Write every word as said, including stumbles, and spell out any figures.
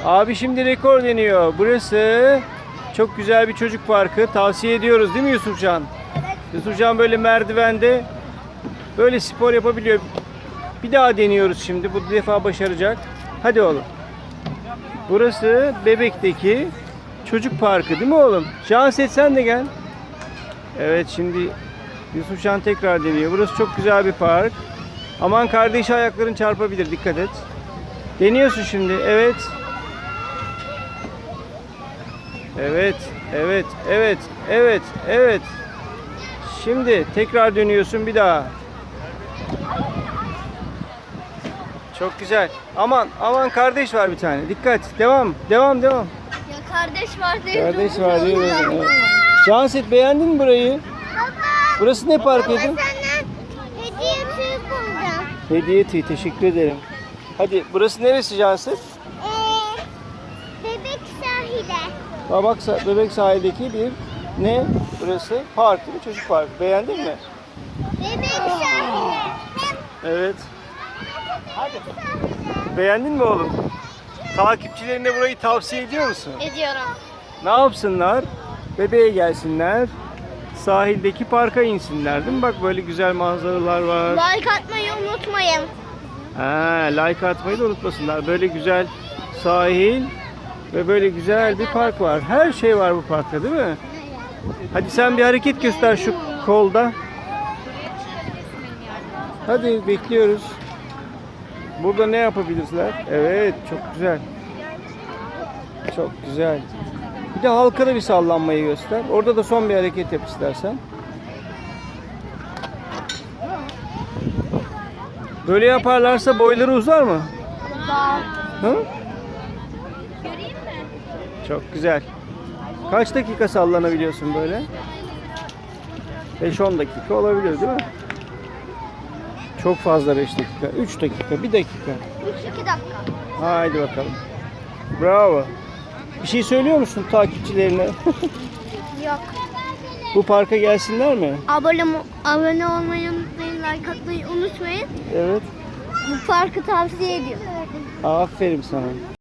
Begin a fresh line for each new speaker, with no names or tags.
Abi şimdi rekor deniyor. Burası çok güzel bir çocuk parkı. Tavsiye ediyoruz değil mi Yusufcan?
Evet.
Yusufcan böyle merdivende böyle spor yapabiliyor. Bir daha deniyoruz şimdi. Bu defa başaracak. Hadi oğlum. Burası Bebek'teki çocuk parkı değil mi oğlum? Şanset sen de gel. Evet şimdi Yusufcan tekrar deniyor. Burası çok güzel bir park. Aman kardeşi ayakların çarpabilir. Dikkat et. Deniyorsun şimdi. Evet. Evet. Evet. Evet. Evet. Evet. Şimdi tekrar dönüyorsun bir daha. Çok güzel. Aman aman kardeş var bir tane. Dikkat. Devam. Devam devam.
Ya kardeş var diye.
Kardeş var diye. Evet. Şanset beğendin mi burayı?
Baba.
Burası ne parkıydı?
Ben senden hediye tüyü buldum.
Hediye tüyü. Teşekkür ederim. Hadi burası neresi Şanset?
Ee, bebek sahile.
Babak Bebek sahildeki bir ne? Burası park değil mi? Çocuk parkı. Beğendin mi?
Bebek sahile.
Evet. Beğendin mi oğlum? Takipçilerine burayı tavsiye ediyor musun?
Ediyorum.
Ne yapsınlar? Bebeğe gelsinler. Sahildeki parka insinler değil mi? Bak böyle güzel manzaralar var.
Like atmayı unutmayın.
Ha, like atmayı da unutmasınlar. Böyle güzel sahil ve böyle güzel bir park var. Her şey var bu parkta değil mi? Hadi sen bir hareket göster şu kolda. Hadi bekliyoruz. Burada ne yapabilirler? Evet, çok güzel. Çok güzel. Bir de halka da bir sallanmayı göster. Orada da son bir hareket yap istersen. Böyle yaparlarsa boyları uzar mı? Hı?
Göreyim mi?
Çok güzel. Kaç dakika sallanabiliyorsun böyle? beş on dakika olabilir değil mi? Çok fazla beş dakika. üç dakika, bir dakika.
üç iki dakika.
Haydi bakalım. Bravo. Bir şey söylüyor musun takipçilerine?
Yok.
Bu parka gelsinler mi?
Abone, abone olmayı unutmayın, like atmayı unutmayın.
Evet.
Bu parkı tavsiye ediyorum.
Aferin sana.